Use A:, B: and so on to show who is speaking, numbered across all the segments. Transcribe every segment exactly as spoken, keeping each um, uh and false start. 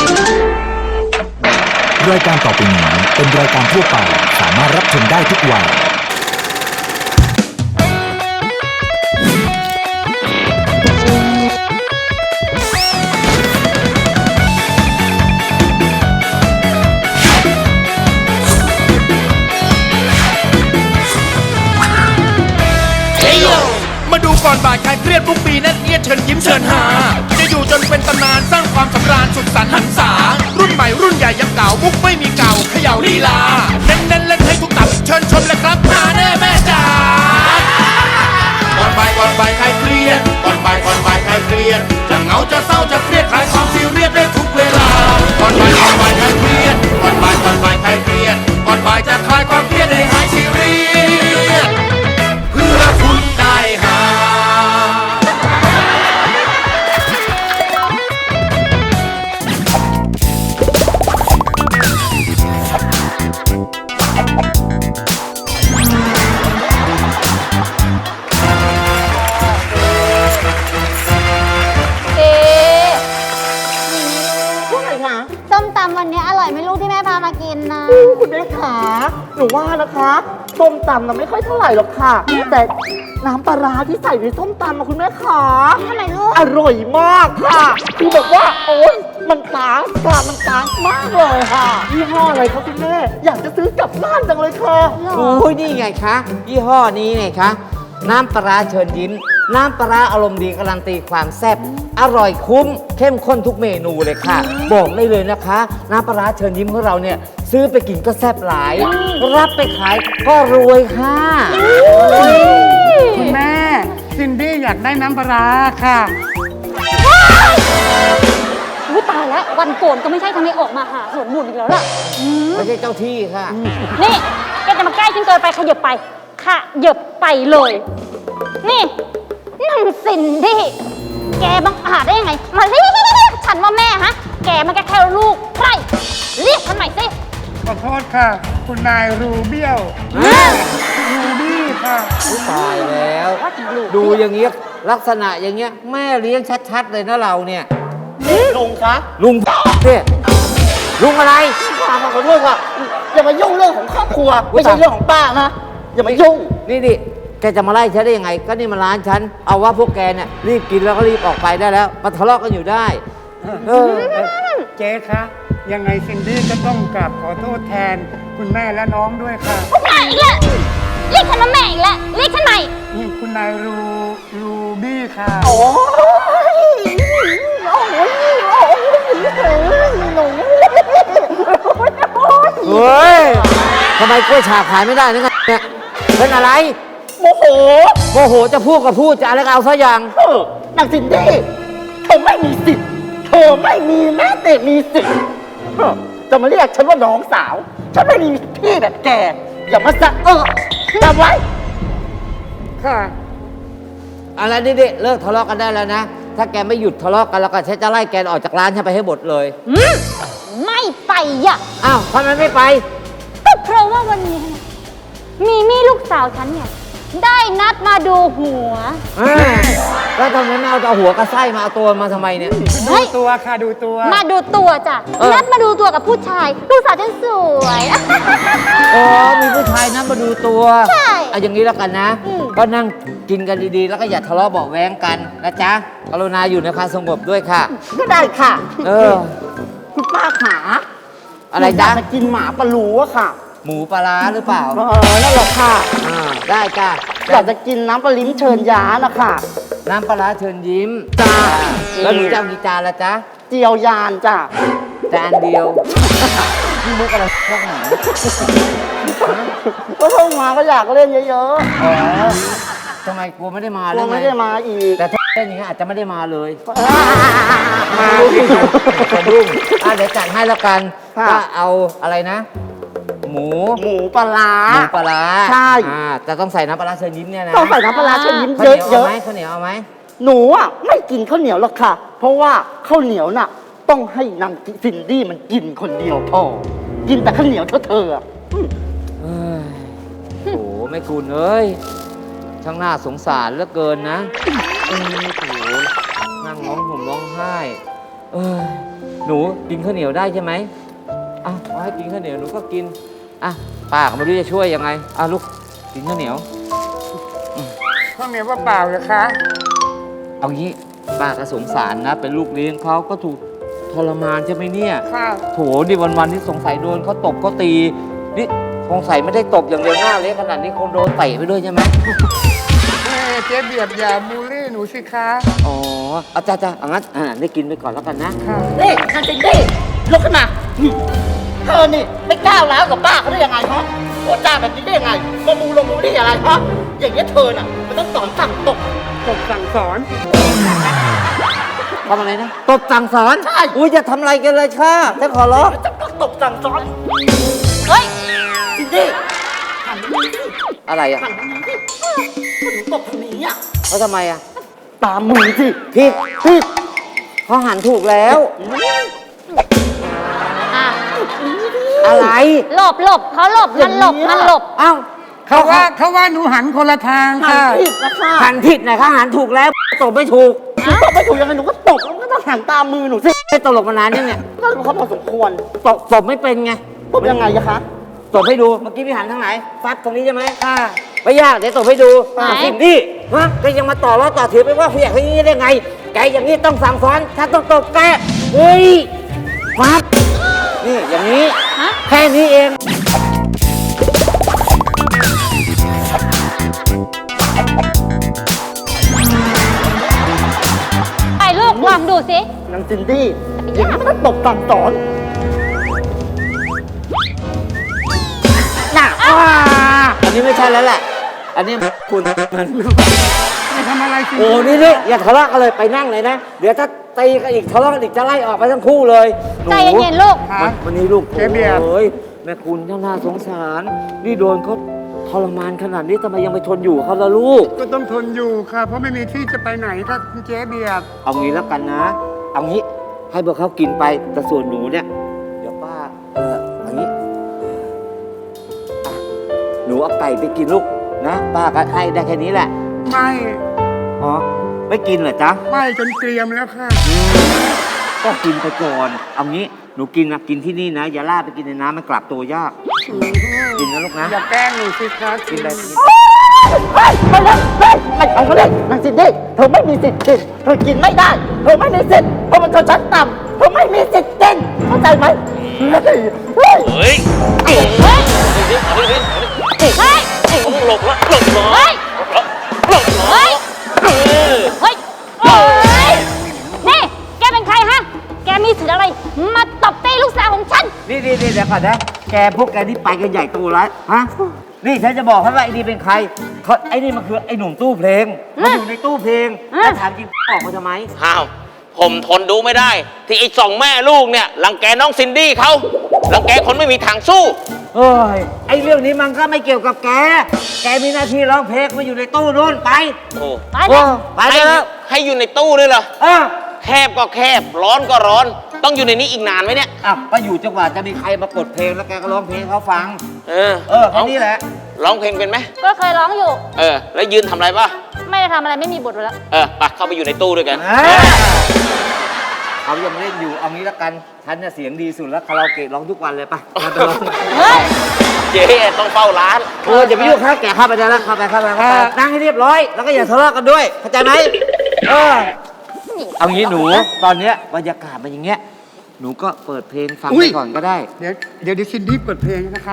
A: รายการต่อไปนี้เป็นรายการทั่วไปสามารถรับชมได้ทุกวัย
B: มาดูก่อนบ่ายคลายเครียดทุกปีแน่นเอียดเชิญยิ้มเชิญหาจะอยู่จนเป็นตำนานสร้างความสำราญสุขสันต์หันษารุ่นใหม่รุ่นใหญ่ยังเก่ามุกไม่มีเก่าเขย่าลีลาเน้นเน้นเล่นให้ทุกตับเชิญชมเลยครับหาแน่แม่จ๋าก่อนบ่ายก่อนบ่ายคลายเครียดก่อนบ่ายก่อนบ่ายคลายเครียดจะเหงาจะเศร้าจะเครียดคลายความซีเรียสได้ทุกเวลาก่อนบ่ายก่อนบ่ายคลายเครียดก่อนบ่ายก่อนบ่ายคลายเครียดก่อนบ่ายจะคลายความเครียดให้หายซีเรียสเพื่อคุณได้หา
C: ส้มตำวันนี้อร่อยไม่รู้ที่แม่พามากินนะ
D: คุณแม่ขาหนูว่านะคะส้มตำน่ะไม่ค่อยเท่าไหร่หรอกค่ะ แต่น้ำปลาร้าที่ใส่ในส้มตำมาคุณแม่ขา
C: ทำไมลูก
D: อร่อยมากค่ะคือแบบว่าโอ๊ยมันต่างกว่ามันต่างมากเลยค่ะยี่ห้ออะไรคะคุณแม่อยากจะซื้อกลับบ้านจังเลยค่ะ
E: โอ้ยนี่ไงคะยี่ห้อนี้ไงคะน้ำปลาร้าเชิญยิ้มน้ำปลาร้าอารมณ์ดีการันตีความแซ่บอร่อยคุ้มเข้มข้นทุกเมนูเลยค่ะ บอกได้เลยนะคะ น้ำปลาร้าเชิญยิ้มของเราเนี่ยซื้อไปกินก็แซ่บหลาย รับไปขายก็รวยค่ะ
F: คุณแม่ซินดี้อยากได้น้ำปลาร้าค่ะ
C: อุ๊ยตายแล้ววันโกนก็ไม่ใช่ทำไมออกมาหาสวนบุญอีกแล้วล่ะอืม
E: ไม่ใช่เจ้าที่ค่ะ
C: นี่แกจะมาใกล้ฉันเกินไปขยับไปขยับไปเลย นี่นั่งสินดิแกบังอาจได้ยังไงมาเรียกฉันว่าแม่ฮะแกมันแค่แค่ลูกใครเรียกฉันใหม่สิ
F: ขอโทษค่ะ คุณนายรูเบี้ยวรูบี้ค่ะ
E: ตายแล้ว ดูอย่างเงี้ยลักษณะอย่างเงี้ยแม่เลี้ยงชัดๆเลยนะเราเนี่ย
D: ลุงคะ
E: ลุงเนี่ยลุงอะไร
D: ป้าขอโทษค่ะอย่ามายุ่งเรื่องของครอบครัวไม่ใช่เรื่องของป้านะอย่ามายุ่ง
E: นี่ดิแกจะมาไล่ฉันได้ยังไง ก็นี่มันร้านฉัน เอาว่าพวกแกเนี่ยรีบกินแล้วก็รีบออกไปได้แล้ว มาทะเลาะกันอยู่ได้ เออ
F: เจ๊คะ ยังไงซินดี้ก็ต้องกราบขอโทษแทนคุณแม่และน้องด้วยค่ะ
C: แม่อีกแล้วเรียกฉันว่าแม่อีกแล้วเรียกฉันใหม่
F: นี่คุณนายรูรูบี้ค่ะ
D: โอ้ยโอ้ยโอ้ยหนู
E: เฮ้ยทำไมกล้วยฉาบขายไม่ได้นี่ไงเนี่ยเป็นอะไร
D: โมโห
E: โมโหจะพูดก็พูดจะอะไรก็เอาซะอย่าง
D: เออนางซินดี้เธอไม่มีสิทธิ์เธอไม่มีแม้แต่มีสิทธิ์เออจะมาเรียกฉันว่าน้องสาว ฉันไม่มีพี่แบบแก อย่ามาสะเออจำไว้
F: ค่ะ
E: อะไรนี่ดิเลิกทะเลาะกันได้แล้วนะ ถ้าแกไม่หยุดทะเลาะกันแล้วก็ฉันจะไล่แกออกจากร้านฉันไปให้หมดเลย
C: อืมไม่ไปอ่ะ
E: อ้าวทำไมไม่ไป
C: ก็เพราะว่าวันนี้เนี่ยมีมี่ลูกสาวฉันเนี่ยได้นัดมาดูหัว
E: อ่าแล้วทำไมไม่เอาเอาหัวกระไส้มาเอาตัวมาทำไมเนี่ย
C: เฮ้
F: ดู
C: ย
F: ตัวค่ะ ดูตัว
C: มาดูตัวจ้ะ
E: เออ
C: นัดมาดูตัวกับผู้ชายลูกสาวฉันสวย
E: อ๋อมีผู้ชายนั่งมาดูตัว
C: ใช่
E: เอาอย่างนี้แล้วกันนะ
C: อืม
E: ก็นั่งกินกันดีๆ แล้วก็อย่าทะเลาะเบาะแว้งกันนะจ๊ะกรุณาอยู่ในความสงบด้วยค่ะ
D: ก็ได้ค่ะ
E: เออ
D: คุณป้าขา
E: อะไร
D: หนู
E: จ๊ะ
D: ยากจะกินหมาปลาลูอะค่ะ
E: หมูปลาร้าหรือเปล่า
D: เออนั่นแหละค่ะ
E: อ่าได้จ้ะ
D: อยากจะกินน้ำปลาลิ้มเชิญย้านะคะ
E: น้ำปลาร้าเชิญยิ้ม
D: จ้า
E: แล้วหนูจะเอากี่จานละจ๊ะ
D: เจียวยานจ้ะ
E: จานเดียวนี่มุกอะไรพวกหนา
D: ก็เพิ่งมาก็อยากเล่นเยอะ
E: อ๋อทำไมกลัวไม่ได้มา
D: ๆก
E: แล้
D: ลัว
E: วไง
D: ไม่ได้มาอีก
E: แต่ถ้าเล่นอย่างนี้อาจจะไม่ได้มาเลย
D: มา
E: สะดุ้งอ่ะเดี๋ยวจัดให้แล้วกัน
D: ค่ะ
E: ก็เอาอะไรนะ หมู
D: หมูปลาร้า
E: หมูปลาร้า
D: ใช่
E: อ่าแต่ต้องใส่น้ำปลาร้าเชิญยิ้มเนี่ยนะ
D: ต้องใส่น้ำปลาร้าเชิญยิ้ม
E: ข้าว
D: เย
E: เหนียวเอา
D: อะ
E: ไหมข้าวเหนียวเอาไหม
D: ๆหนูอ่ะไม่กินข้าวเหนียวหรอกค่ะ เพราะว่าข้าวเหนียวน่ะ ต้องให้นางซินดี้มันกินคนเดียวพอกินแต่ข้าวเหนียวเท่าเธออะ
E: เอ้ยโอ้โหแม่คุณเอ้ยช่างน่าสงสารเหลือเกินนะอืมโอ้โหนั่งร้องห่มร้องไห้เออหนูกินข้าวเหนียวได้ใช่ไหมอ่ะขอให้กินข้าวเหนียวหนูก็กินอ่ะป้าก็ไม่รู้จะช่วยยังไงอ่ะลูกกินข้าวเหนียว
F: ข้าวเหนียวเปล่าๆเหรอคะ
E: เอางี้ป้าก็สงสารนะ เป็นลูกเลี้ยงเขาก็ถูกทรมานใช่ไหมเนี่ย
F: ค่ะ
E: โถดิวันๆที่สงสัยโดนเขาตบเขาตีนี่สงสัยไม่ได้ตบอย่างเดียวหน้าเละขนาดนี้คงโดนเตะไปด้วยใช่ไหม
F: เอ้ยเจ๊เบียบอย่าบูลลี่หนูสิคะ
E: อ๋อเอาจ้าจ้าเอางั้นอ่าได้กินไปก่อนแล้วกันนะ
F: ค่ะ
D: นี่นางซินดี้ลุกขึ้นมานี่เธอนี่ไม่ก้าวร้าวกับป้าเขาได้ยังไงฮะพูดจาแบบนี้ได้ยังไงมามูลงมูลี่อะไรฮะอย่างนี้ยเธอน่ะมันต้องสอนสั่งตก
F: ตกสั่งสอน
E: ทำอะไรนะตบสั่งสอน
D: ใช่
E: อุ้ยจะทำอะไรกันเลยค่ะจะขอร้อง
D: จะต้องตกสั่งสอน
C: เฮ้ย
D: ซินดี้หันมาสิ
E: อะไรอ่ะ
D: หันมาสิก็หนูตกทางนี้อ่ะ
E: เขาทำไมอ่ะ
D: ตามมือสิ
E: ผิด
D: ผิด
E: เขาหันถูกแล้ว
C: อ่ะ
E: อะไร
C: หลบหลบเขาหลบมันหลบมันหลบ
E: เอ้า
F: เขาว่าเขาว่าหนูหันคนละทาง
D: หัน
F: ค่ะ
D: ผิดนะคะ
E: หันผิดนะคะหันถูกแล้วตบไม่ถูก
D: หนูตกไม่ถูกยังไงหนูก็ตกแล้วก็ต้องหันตามมือหนูสิ
E: ไม่ตลกมานานยังเนี่ย
D: ก็รู้เขาพอสมควร
E: ตบตบไม่เป็นไง
D: ตบยังไงอะคะ
E: ตบให้ดูเมื่อกี้พี่หันทางไหนฟัดตรงนี้ใช่ไหมค่ะไม่ยากเดี๋ยวตบให้ดู
C: ไหน
E: สิ่งที่ฮะก็ยังมาต่อล้อต่อถือไปว่าผู้ใหญ่เขาอย่างนี้ได้ไงแกอย่างนี้ต้องสั่งสอนฉันต้องตบแกเฮ้ยฟัดนี่อย่างนี้
C: ฮะ
E: แค่นี้เอง
C: ไปลูกลองดูสิ
D: นางซินดี้อย่างนี้มันต้องตบสั่งสอนน่ะ
E: อันนี้ไม่ใช่แล้วแหละ อันนี้คุณมัน
F: ไม่ทำอะไรสิ
E: โอ้นี่นี่อย่าทะเลาะกันเลยไปนั่งเลยนะ เดี๋ยวถ้าตีกันอีกทะเลาะกันอีกจะไล่ออกไปทั้งคู่เลยหนู
C: ใจเย็นๆลูก
F: ค่ะ
E: วันวันนี้ลูก
F: เจ๊เบียร์
E: โอ้ยแม่คุณน่าสงสาร นี่โดนเขาทรมานขนาดนี้ทำไมยังไปทนอยู่เขาล่ะลูก
F: ก็ต้องทนอยู่ค่ะ เพราะไม่มีที่จะไปไหนก็คุณเจ๊เบียบ
E: เอางี้แล้วกันนะ เอางี้ให้พวกเขากินไปแต่ส่วนหนูเนี่ย เดี๋ยวป้า เออเอางี้อ่ะหนูเอาไก่ไปกินลูกนะ ป้าก็ให้ได้แค่นี้แหละ
F: ไม่
E: อ๋อ ไม่กินเหรอจ๊ะ
F: ไม่จนเกรียมแล้วค่ะ
E: ก็กินไปก่อน เอางี้หนูกินนะกินที่นี่นะ อย่าล่าไปกินในน้ำมันกลับตัวยาก กินนะลูกนะ
F: อย่าแกล้งหนูสิคะ
E: กินไป
D: เฮ้ยไม่เล่นเฮ้ยไม่เอาเขาเล่นนางซินดี้เธอไม่มีสิทธิ์กินเธอกินไม่ได้ เธอไม่มีสิทธิ์เพราะมันชนชั้นต่ำเธอไม่มีสิทธิ์กินเข้าใจไหมเฮ้ยเฮ้ย
C: เฮ้ย เฮ้ย เฮ้ย
B: หลบละหลบหลบ
C: เฮ้ย
B: หลบหลบ
C: เฮ้ย เฮ้ยเฮ้ย นี่ แกเป็นใครฮะ แกมีสิทธิ์อะไร มาตบตีลูกสาวของฉัน
E: นี่นี่นี่เดี๋ยวก่อนนะ แกพวกแกนี่ไปกันใหญ่โตแล้วฮะ นี่ฉันจะบอกให้ว่าไอ้นี่เป็นใครเขาไอ้นี่มันคือไอ้หนุ่มตู้เพลง มันอยู่ในตู้เพลง
C: อ่ะ
E: แล้วถามจริงออกมาทำไม
G: อ้าว ผมทนดูไม่ได้ ที่ไอ้สองแม่ลูกเนี่ยรังแกน้องซินดี้เขารังแกคนไม่มีทางสู้
E: เฮ้ย ไอ้เรื่องนี้มันก็ไม่เกี่ยวกับแก แกมีหน้าที่ร้องเพลงมาอยู่ในตู้นู่นไป
G: โอ้
C: ไป
E: โอ้
C: เลย
E: ไป
G: ให้
E: แล้ว
G: ให้อยู่ในตู้ด้วยเหรอ
E: เออ
G: แคบก็แคบ ร้อนก็ร้อน ต้องอยู่ในนี้อีกนานไหมเนี่ย
E: อ่ะก็อยู่จังหวะจะมีใครมากดเพลงแล้วแกก็ร้องเพลงให้เขาฟัง
G: เออ
E: เออแค่นี้แหละ
G: ร้องเพลงเป็นไหม
C: ก็เคยร้องอยู่
G: เออ แล้วยืนทำอะไรป่ะ
C: ไม่ได้ทำอะไรไม่มีบทเลยแล้ว
G: เออไปเข้าไปอยู่ในตู้ด้วยกัน
E: อ่าเขายังเล่นอยู่ เอางี้ละกัน ฉันเนี่ยเสียงดีสุดแล้วคาราโอเกะร้องทุกวันเลยไปไปไปร้อง
C: เฮ้ย
G: เจ๊ต้องเฝ้าร้าน
E: เอออย่าไปยุ่งข้าแกเข้าไปได้แล้วเข้าไปเข้าไปเข้าไปนั่งให้เรียบร้อย แล้วก็อย่าทะเลาะกันด้วย เข้าใจไหมเออ เอางี้หนู ตอนเนี้ยบรรยากาศมันอย่างเงี้ย หนูก็เปิดเพลงฟัง
F: อุ๊
E: ไป
F: ย
E: ก่อนก็ได้
F: เดี๋ยวเดี๋ยวดิซินดี้เปิดเพลงนะคะ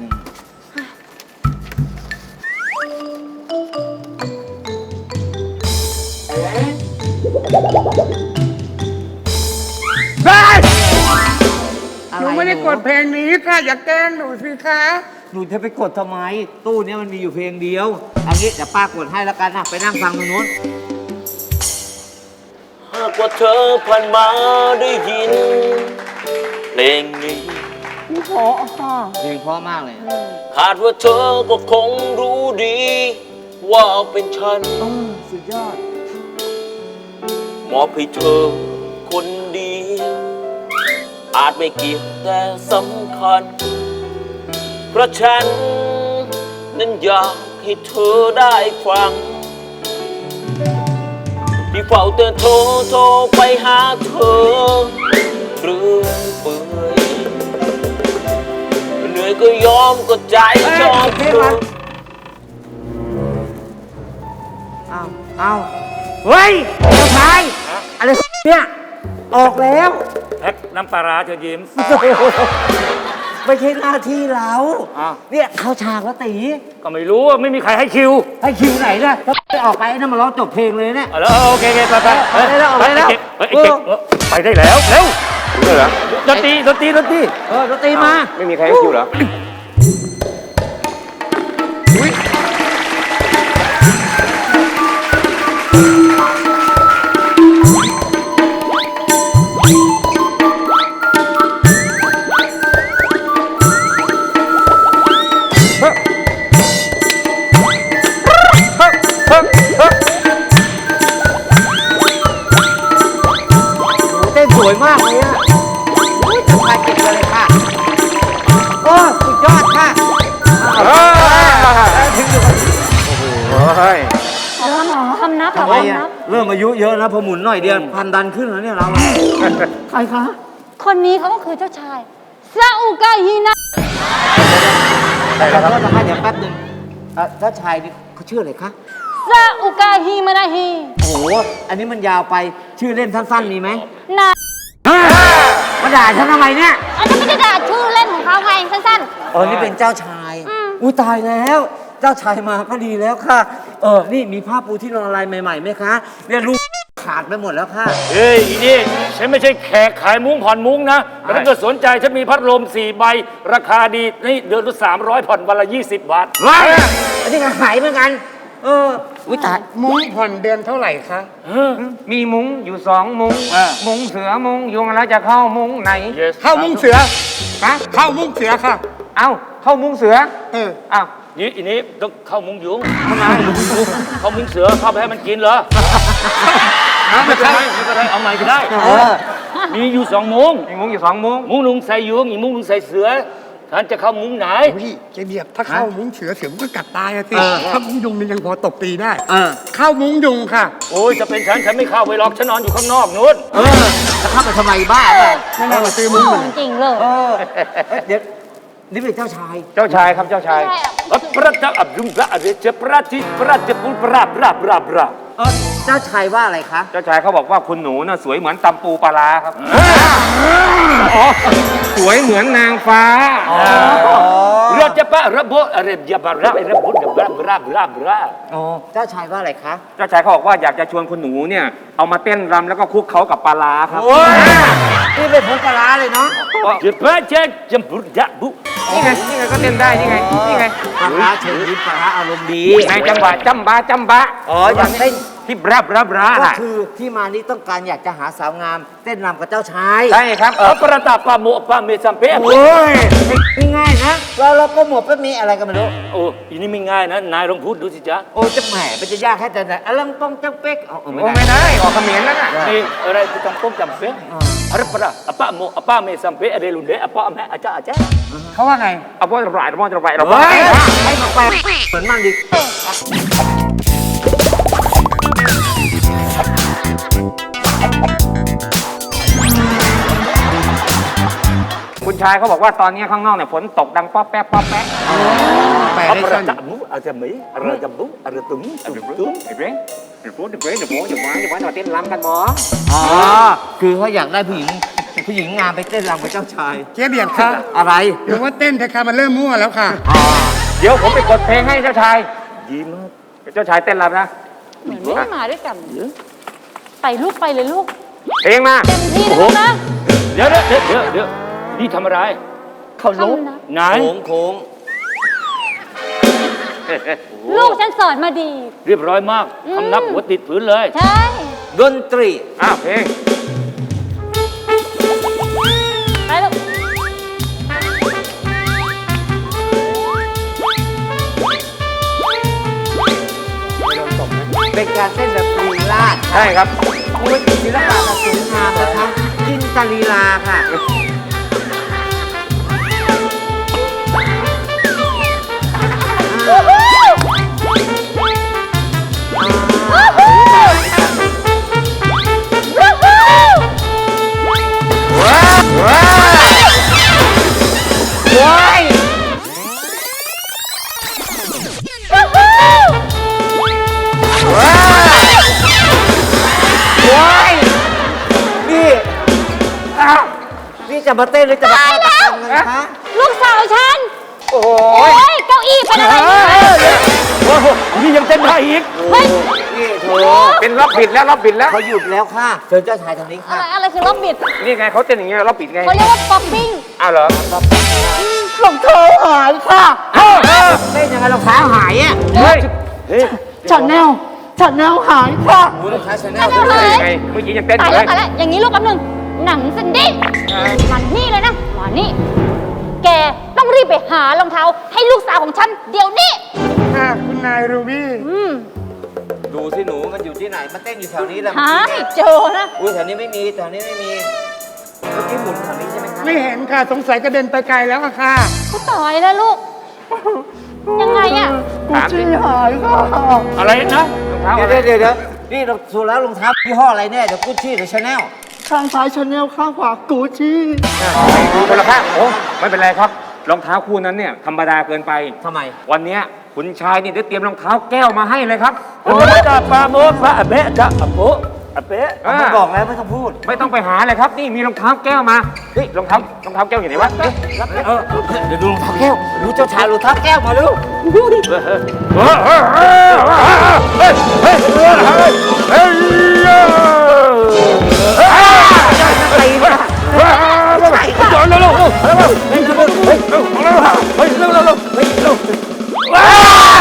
F: หนูไม่ได้กดเพลงนี้ค่ะ อย่าแกล้งหนูสิคะ
E: หนูจะไปกดทำไม ตู้เนี้ยมันมีอยู่เพลงเดียวเอางี้เดี๋ยวป้ากดให้แล้วกันนะไปนั่งฟังตรงนู้น
G: หากว่าเธอผ่านมาได้ยินเพลงนี้
E: เพลงเพราะมากเลย
G: คาดว่าเธอก็คงรู้ดี ว่าเป็นฉัน
E: สุดยอด
G: มอบให้เธอคนเดียวอาจไม่เกี่ยวแต่สำคัญ เพราะฉันนั้นอยากให้เธอได้ฟัง ที่เฝ้าแต่โทรโทรไปหาเธอเรื่อยเปื่อยเหนื่อยก็ยอมก็ใจชอบเธอ
E: อ้าวอ้าวเฮ้ยเจ้าชายอะไรเนี่ย ออกแล้ว
H: แพ็คน้ำปลาร้าเชิญยิ้ม
E: ไม่ใช่หน้าที่เรา
H: อ้าว
E: เนี่ยเข้าฉากแล้วตี
H: ก็ไม่รู้ว่าไม่มีใครให้คิว
E: ให้คิวไหนล่ะถ้าไม่ออกไปนั่นมาร้องจบเพลงเลยเนี่ย
H: เอาแล้วโอเคโอเคไปไป
E: ไปได้แล้วไปได้แล้ว
H: เฮ้ยไอ้เก่งเฮ้ยไอ้เก่งเออไปได้แล้วเร็วเหรอดนตรีดนตรีดนตรี
E: เออดนตรีมา
H: ไม่มีใครให้คิวเหรอ
E: เต้นสวยมากเลยอ่ะอุ้ยเจ้าชายเก่งเลยค่ะโอ้สุดยอดค่ะถึงอยู่กับ
H: โอ้ย
C: คำนับเหรอ
E: ทำไม
C: คำ
E: อ่ะ
C: นับ
E: เริ่มอายุเยอะแล้วพอหมุนหน่อยเดียวพันดันขึ้นแล้วเนี่ยเราใครคะ
C: คนนี้เขาก็คือเจ้าชายซาอุกาฮินะ
E: ขอโทษนะคะเดี๋ยวแป๊บหนึงเอ่อเจ้าชายนี่เขาชื่ออะไรคะ
C: ซาอุกาฮิมานาฮี
E: โอ้โหอันนี้มันยาวไปชื่อเล่นสั้นๆมีไหม
C: นา
E: มาด่าฉันทำไมเนี่ย
C: อันนี้ไม่ได้ด่าชื่อเล่นของเขาไงสั้น
E: เออนี่เป็นเจ้าชาย
C: อืม
E: อุ้ยตายแล้ว เจ้าชายมาก็ดีแล้วค่ะ เออ นี่มีผ้าปูที่นอนอะไรใหม่ๆไหมคะเนี่ยลูกขาดไปหมดแล้วค่ะ
H: เฮ้ยอีนี่ฉันไม่ใช่แขกขายมุ้งผ่อนมุ้งนะแต่ถ้าเกิดสนใจฉันมีพัดลมสี่ใบราคาดีนี่เดือนละสามร้อยผ่อนวันละยี่สิบบาท
E: ว้ายอันนี้ก็หายเหมือนกัน เออ อุ้ยตาย
F: มุ้งผ่อนเดือนเท่าไหร่คะ
I: มีมุ้งอยู่สองมุ้ง
H: อ่า
I: มุ้งเสือมุ้งยุงแล้วจะเข้ามุ้งไหน
H: Yes
F: เข้ามุ้งเสือ
I: ฮะ
F: เข้ามุ้งเสือค่ะ
I: เอ้าเข้ามุ้งเสือ
F: เออ
I: อ้าว
H: นี่อีนี้ต้องเข้ามุ้งยุงทำไมเข้ามุ้งเสือเข้าไปให้มันกินเหรอไม่เป็นไรไม่เป็นไรเอาใหม่ก็ได้
E: เออ
H: มีอยู่สองมุ้ง
I: มีมุ้งอยู่สองมุ้ง
H: มุ้งหนึ่งใส่ยุงอีกมุ้งหนึ่งใส่เสือท่านจะเข้ามุ้งไหน
F: พี่เจเบียบถ้าเข้ามุ้งเสือเสือมันก็กัดตายอะสิ
E: เออ
F: ถ้ามุ้งยุงมันยังพอตบตีได้
E: เออ
F: เข้ามุ้งยุงค่ะ
H: โอ้ยจะเป็นฉันฉันไม่เข้าไปหรอกฉันนอนอยู่ข้างนอกนู้น
E: เออจะเข้าไปทำไมบ้าเปล่า
F: นั่นแหละมาซื้อ
C: ๆ
F: มุ้ง
C: โง่
F: มัน
C: จริงๆเลย
E: เออ เดี๋ยวนี่เป็นเจ้าชาย
I: เจ้าชายครับเจ้าชาย
C: ใช่อะ
H: อัปรัตตะอับดุมระเรเจปราติปราติปุปราบราบราบรา
E: เออ เจ้าชายว่าอะไรคะ
I: เจ้าชายเขาบอกว่าคุณหนูน่ะสวยเหมือนตำปูปลาร้าครับอ๋อสวยเหมือนนางฟ้า
H: เรือจะปะระบบอะไรยาบาระระบบระบราบราบราบรา
E: อ๋อ เจ้าชายว่าอะไรคะ
I: เจ้าชายเขาบอกว่าอยากจะชวนคุณหนูเนี่ยเอามาเต้นรำแล้วก็คลุกเขากับปลาร้าครับ
E: นี่เป็นผงปลาร้าเลยเนาะ
H: จะปะเจจมบุดะบุ
I: นี่ไงนี่ไงก็เต้นได้นี่ไงนี่ไง
E: ปลาร้าเชิญยิ้มปลาร้าอารมณ์ดี
I: ในจังหวะจำบาจำบะ
E: อ๋อ อยากเต้น
I: ที่บราบราบรา
E: ก็
I: น่ะ
E: คือที่มานี้ต้องการอยากจะหาสาวงาม เต้นรำกับเจ้าชาย
I: ใช่ครับเออ
H: อัปรัตตะปะโมปะเมซัมเปะ
E: โอ้ยไม่ง่ายนะเราเราก็หมวดก็มีอะไรกันไม่รู้
H: โอ้อีนี่ไม่ง่ายนะนายลองพูดดูสิจ๊ะ
E: โอ้จะแหมมันจะยากแค่แต่ไหนอลังปองจังเป๊กเอาเอาไม่
I: โอ้
E: ได้
I: ไม่ได้ออกเขมรแล้วน่ะ
H: นี่อะไรที่จำต้มจำเป๊ะอะไรปะอะปะโมอะปะเมซัมเปะอะไรลุนเดอะปะแม่อาจารย์อาจารย์
F: เขาว่าไง
I: เอาบ้านระบายเอาบ้านระบายเรา
E: เฮ้ยให้มาแปลเหมือนมันดิ
I: คุณชายเขาบอกว่าตอนนี้ข้างนอกเนี่ยฝนตกดังป๊อปแป๊ะป๊อปแป๊ะ
F: แปล
H: อั
F: ได้
H: ปรั
F: สั้
H: ต
F: น
H: ตะมุอะไรจะมีอะไรจะบุอะไรตุ้มตุ้ม
I: เดี๋ยวเดี๋ยวเดี๋ยวโป๊ะเดี๋ยวเดี๋ยวเดี๋ยวโป๊ะเดี๋ยวว้าเดี๋ยวว้ามาเต้นรำกันหมอ
E: อ๋อคือเขาอยากได้ผู้หญิงผู้หญิงงามไปเต้นรำกับเจ้าชาย
F: เจเบียบคะ
E: อะไร
F: หรือว่าเต้นเถอะค่ะมันเริ่มมั่วแล้วค่ะ
E: อ๋อ
I: เดี๋ยวผมไปกดเพลงให้เจ้าชาย
H: ดีมาก
I: เจ้าชายเต้นรำนะ
C: เหมือนไม่ได้มาด้วยกัน ไปลูกไปเลยลูก
I: เพลงมา
C: เต็มที่เลยลูกนะ
H: เดี๋ยวเดี๋ยวเดี๋ยวเดี๋ยวนี่ทำอะไร
E: เขาลุก
C: ทำนะ
H: ไหน
E: โค้งโค้ง
C: ลูกฉันสอนมาดี
H: เรียบร้อยมากคำนับหัวติดผืนเลย
C: ใช่
E: ดนตรี
I: อ้าวเพลง
C: ไปลูก
E: เป็นการเต้นแบบลีลาด
I: ใช่ครับ
E: มันเป็นศิลปะแบบสวยงามนะคะจินตลีลาค่ะ
C: วู้ฮู้
E: นี่จะมาเต้นหรือจะมา
C: ตายแล้ว
E: ฆาตกรรมกันคะ
C: ลูกสาวฉัน
I: โอ้โห
C: โอ้ยเก้าอี้เป็นอะไรเนี่ย
H: โอ้โหนี่ยังเต้นได้อีก
C: เฮ้ย
E: นี่เธ
C: โอ้
E: อ
I: เป็นรอบปิดแล้วรอบปิดแล้ว
E: เขาหยุดแล้วค่ะเชิญเจ้าชายทางนี้
C: อะ
E: ค่ะ
C: ไรอะไรคือรอบบิด
I: นี่ไงเขาเต้นอย่างเงี้ยรอบปิดไง
C: เขาเรียกว่าป๊อปปิ้ง
I: อ้าวเหรอ
D: รองเท้าหายค่ะ
E: เต้นยังไงรองเท้าหายอ่ะ
I: เฮ้ย
D: ชาแนลชาแนลหายค่ะ
E: ดูรองเท้าชาแน
C: ชา
E: ล
C: แนลหาย
I: ยังไงเมื่อกี้ยังเต้นอ
C: ตาย
I: ยู่
C: แล้
I: เล
C: วย ตายแล้วอย่างนี้ลูกแป๊บหนึงหนังซินดี้มานี่เลยนะมานี่ แกต้องรีบไปหารองเท้าให้ลูกสาวของฉันเดี๋ยวนี้
F: ค่ะคุณนายรูบี้
C: อืม
E: ดูสิหนูมันอยู่ที่ไหนมันเต้นอยู่แถวนี้แหละ
C: หา
E: เมื่อกี้
C: ให้
E: เนี่ย
C: เจอนะ
E: อุ้ยแถวนี้ไม่มีแถวนี้ไม่มีเมื่อกี้หมุนแถวนี้ใช่ไหมคะ
F: ไม่เห็นค่ะสงสัยกระเด็นไปไกลแล้วอะค่ะ
C: กูตายแล้วลูก ยังไงอะ
D: กูชี่หายค่ะ
H: อะไรนะ
I: รองเท้า
E: เดี๋
I: อะ
E: ยว
I: ไร
E: เดี๋ยวเดี๋ยวนี่เราสูแล้วรองเท้ายี่ห้ออะไรแน่เดี๋ยวกุชชี่หรือชาแนล
D: ข้างซ้ายชาแนลข้างขวากูชี่
I: ดูคนละข้างโอ้ไม่เป็นไรครับรองเท้าคู่นั้นเนี่ยธรรมดาเกินไป
E: ทำไม
I: วันเนี้ยคุณชายนี่ได้เตรียมรองเท้าแก้วมาให้เลยครับ
H: โอ้ยจะปลาโมดปลาอะเบะจะอะโปะอะเปะ
I: อ่า
E: ผมบอกแล้วไม่ต้องพูด
I: ไม่ต้องไปหาเลยครับ นี่มีรองเท้าแก้วมาเฮ้ยรองเท้ารองเท้าแก้วอยู่ไหนวะเอ๊ะ
E: เออเดี๋ยวดูรองเท้าแก้วดูเจ้าชายรองเท้าแก้วมาดู
H: เฮ้ยเฮ้ยเฮ้ยเฮ้ยเฮ้ยเฮ้ยเฮ้ยเฮ้ยจอนเร็วเร็วเร็วเร็วเฮ้ยเร็วเฮ้ยเร็วเร็วเฮ้ยเร็วเร็วเร็วเฮ้ยเร็วว้า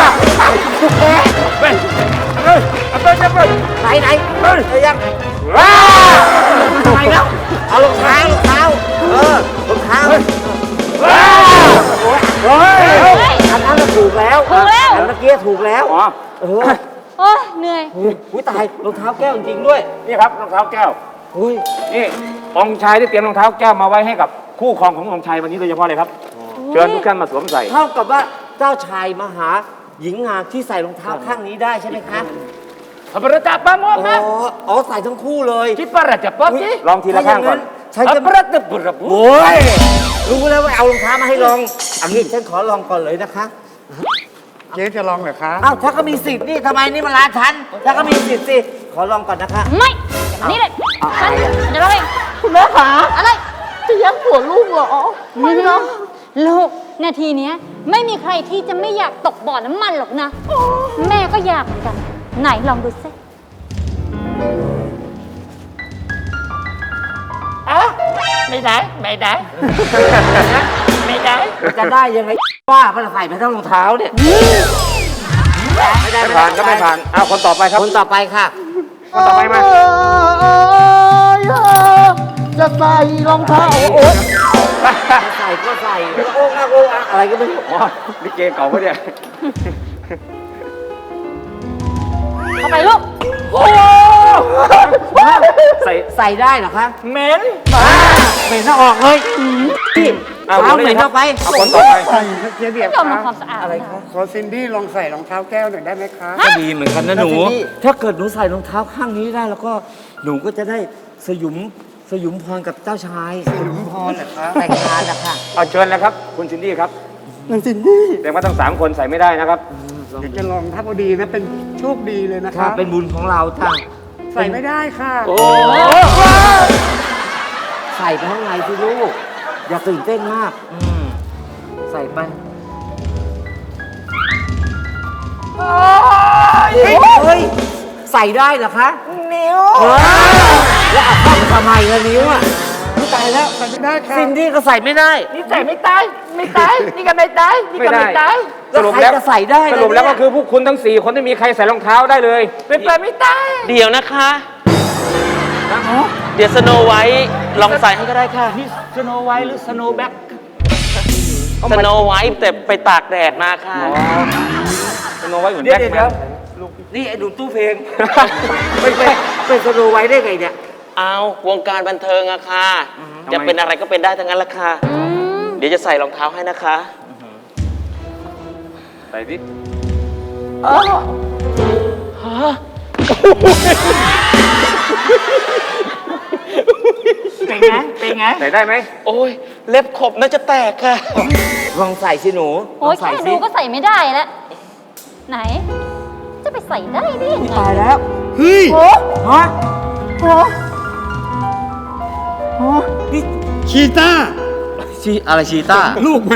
H: เฮ้ยเฮ้ยเอาไปเอาไป
E: ไหนไหน
H: เฮ้ย
E: เอายัง
H: ว้า
E: ไปแล้วเอารองเท้ารองเท้าเออรองเท้า
H: ว้าเฮ้ย
C: เฮ้ย
E: อันนั้นน่ะถูกแล้ว
C: ถูกแล้ว
E: อันเมื่อกี้ถูกแล้ว
I: อ๋อ
E: เออ
C: โอ้ยเหนื่อย
E: อุ้ยตายรองเท้าแก้วจริงๆด้วย
I: นี่ครับรองเท้าแก้ว
E: อุ้ย
I: นี่องค์ชายได้เตรียมรองเท้าแก้วมาไว้ให้กับคู่ครองขององค์ชายวันนี้โดยเฉพาะเลยครับเชิญทุกท่านมาสวมใส่
E: เท่ากับว่าเจ้าชายมาหาหญิงงามที่ใส่รองเท้าข้างนี้ได้ใช่ไหมคะ
H: พระประจับปลาโมด
E: อ๋อ
H: นะ
E: อ๋อใส่ทั้งคู่เลย
H: ที่ประจับป๊อปจี
I: ลองทีละข้างก่อน
E: ฉัน
H: พระ
E: จะ
H: ประจับปุระปุ
E: โอ้ยรู้แล้วว่าเอารองเท้ามาให้ลองอันนี้ฉันขอลองก่อนเลยนะคะ
F: เจ๊จะลองเหรอคะ
E: อ้าวถ้าก็มีสิทธิ์นี่ทำไมนี่มันร้านฉันถ้าก็มีสิทธิ์สิขอลองก่อนนะคะ
C: ไม่อย่างนี้เลยฉันเดี๋ยวเราเอง
D: คุณแม่ขา
C: อะไร
D: จะแย่งผัวลูกเหรอ
C: ไม่หรอกลูกนาทีเนี้ยไม่มีใครที่จะไม่อยากตกบ่อน้ำมันหรอกนะ แม่ก็อยากเหมือนกัน ไหนลองดูสิ
H: ไม่ได้ไม่ได้ไม่ได้
E: จะได้ยังไงว่ามันใส่ไปทั้งรองเท้าเนี่ยไม่ได้
I: ไม่ผ่านก็ไม่ผ่านเอาคนต่อไปครับ
E: คนต่อไปค่ะ
I: คนต่อไปมา
D: จะใส่รองเท้าโอ๊ย
E: ใส่ก็ใส่โอ้งอะโอ้งอะอะไรก็ไม่รู้
I: อ๋อลิเกเก่าปะเนี่ย
C: เข้าไปลูก
I: ใส่
E: ใส่ได้เหรอคะ
H: เหม็น
E: เหม็นน่าออกเลยพี่
I: เอา
E: เท้า
I: คน
E: เหม็
I: นี้
E: น
I: ครั
E: เข้าไป
I: เอาคนต่อไป
F: ใส่เจ๊เบียบ
C: ยอม
F: คะ
C: ทำความสะอาด
E: อะไรคะ
F: ขอซินดี้ลองใส่รองเท้าแก้วหน่อยได้ไหมคะ
E: ก็ดีเหมือนกันนะหนู ถ้าเกิดหนูใส่รองเท้าข้างนี้ได้แล้วก็หนูก็จะได้สยุมสยุมพรกับเจ้าชายสยุมพรเหรอคะแต่งงานนะคะ
I: เอาเชิญเลยครับคุณซินดี้ครับ
D: นางซินดี้
I: แต่ว่าทั้งสามคนใส่ไม่ได้นะครับ
F: เดี๋ยวจะลองถ้าพอดีนะเป็นโชคดีเลยนะ
E: ค่ะ
F: คะ
E: เป็นบุญของเราจ้ะ
F: ใส่ไม่ได้ค่ะ
H: โอ้
E: ใส่ไปข้างในสิลูก อย่าตื่นเต้นมาก อืมใส่ไปเฮ้ย ใส่ได้เหรอคะ นิ้วแล้วเอาเข้าไปทำไมล่ะนิ้วอ่ะไม่ตายแล้ว
F: ใส่ไม่ได้ค่ะ
E: ซินดี้ก็ใส่ไม่ได้
H: นี่ใส่ไม่ตายไม่ตายนี่ก็ไม่ตายนี่ก็ไม่ตาย
I: สรุปแล้ว
E: ใครจะใส่ได้
I: สรุปแล้ว
E: เนี่
I: ก็
E: ย
I: คือพวกคุณทั้งสี่คนไม่มีใครใส่รองเท้าได้เลย
H: เป็นไปไม่ตาย
G: เดี๋ยวนะคะ เดี๋ยวสโนไว้ลองใส่ให้ก็ได้ค่ะ
H: นี่สโนไวท์หรือสโนแบ็ค
G: สโนไว้แต่ไปตากแดดมาค่ะ
I: สโนไว้เหมือน
E: เดี๋ยว
I: แบ็ค
E: เดี๋ยว
I: แม
E: เดี๋ยวน นี่ไอ้ดูตู้เพลง ไปไปไปสโนไว้ได้ไงเนี่ย
G: เอาวงการบันเทิงอะค่ะ จะเป็นอะไรก็เป็นได้ทั้งนั้นละค่ะ เดี๋ยวจะใส่รองเท้าให้นะคะ
I: ใส่ดิ
H: เป็นไงเป็นไง
I: ใส่ได้ไหม
G: โอ้ย เล็บขบน่าจะแตกค่ะ
E: ลองใส่สิหนู
C: โอ้ย
E: ลงใส่
C: แค่
E: สิ
C: ดูก็ใส่ไม่ได้แล้ว ไหน จะไปใส่ได้ได้ยังไง
E: ตายแล้วเฮ้ยฮะ
D: โอ้โห
E: นี่
F: ชีต้า
E: ชีอะไรชีต้า
F: ลูกมัน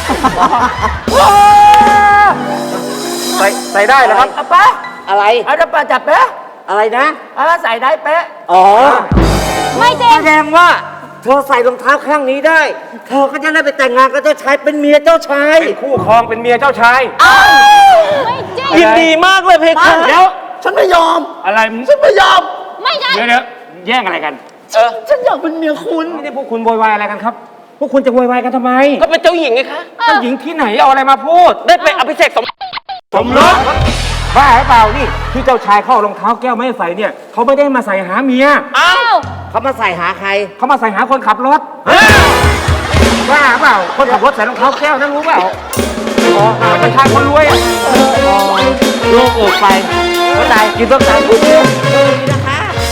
I: ใส่ใส่ได้แล้วครับ
E: ป๊าอะไรอาจจะปาจับเป๊ะอะไรนะอาใส่ได้เป๊ะอ๋อ
C: ไม่จริง
E: แสดงว่าเธอใส่รองเท้าข้างนี้ได้ เธอก็จะได้ไปแต่งงานกับเจ้าชายเป็นเมียเจ้าชาย
I: เป็นคู่ครองเป็นเมียเจ้าชาย
C: ไม่จริง
E: ยินดีมากเลยเพคะ
H: เดี๋ยว
D: ฉันไม่ยอม
H: อะไร
D: ฉันไม่ยอม
C: ไม่ใช่
H: เดี๋ยวเดี๋ยวแย่งอะไรกัน
D: ฉันอยากเป็นเมียคุณ
I: นี่พวกคุณโวยวายอะไรกันครับ พวกคุณจะโวยวายกันทำไม
G: ก็เป็นเจ้าหญิงไงคะ
I: เจ้าหญิงที่ไหนเอาอะไรมาพูด
G: ได้ไปอภิเษกสม
I: สมรสบ้าหรือเปล่านี่ที่เจ้าชายเข้ารองเท้าแก้วไม่ให้ใส่เนี่ยเขาไม่ได้มาใส่หาเมีย
C: อ้าว
E: เขามาใส่หาใคร
I: เขามาใส่หาคนขับรถบ้าหรือเปล่าคนขับรถใส่รองเท้าแก้วนั่นรู้เปล่าอ๋อเจ้าชายคนรวยอ่ะ
E: ลูกอกไปเข้าใจกินต้มตำพูดดีนะคะ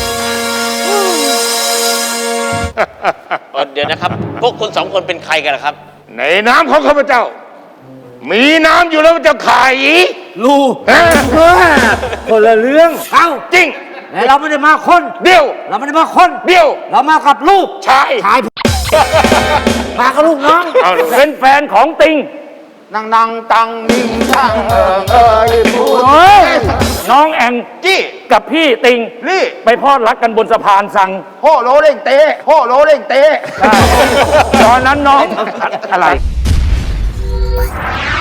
G: เดี๋ยวนะครับ พวกคุณสองคนเป็นใครกันล่ะครับ
B: ในน้ำของข้าพเจ้า มีน้ำอยู่แล้วจะไข่
E: ลูก
B: ฮะ
E: คนละเรื่องเอ้า
B: จริง
E: แต่เราไม่ได้มาคน
B: เดียว
E: เราไม่ได้มาคน
B: เดียว
E: เรามากับลูก
B: ชาย
E: ชายมากับลูกน้อง
H: เอาเป็นแฟนของติง
D: นางนางตังนิ่งตังเอิงเอยพูด
H: เฮ้ย น้องแอง
B: จี้
H: กับพี่ติง
B: นี่
H: ไปพลอดรักกันบนสะพานสัง
B: โฮโลเร่งเตะโฮโลเร่งเตะ
H: ตอนนั้นน้อง อะไร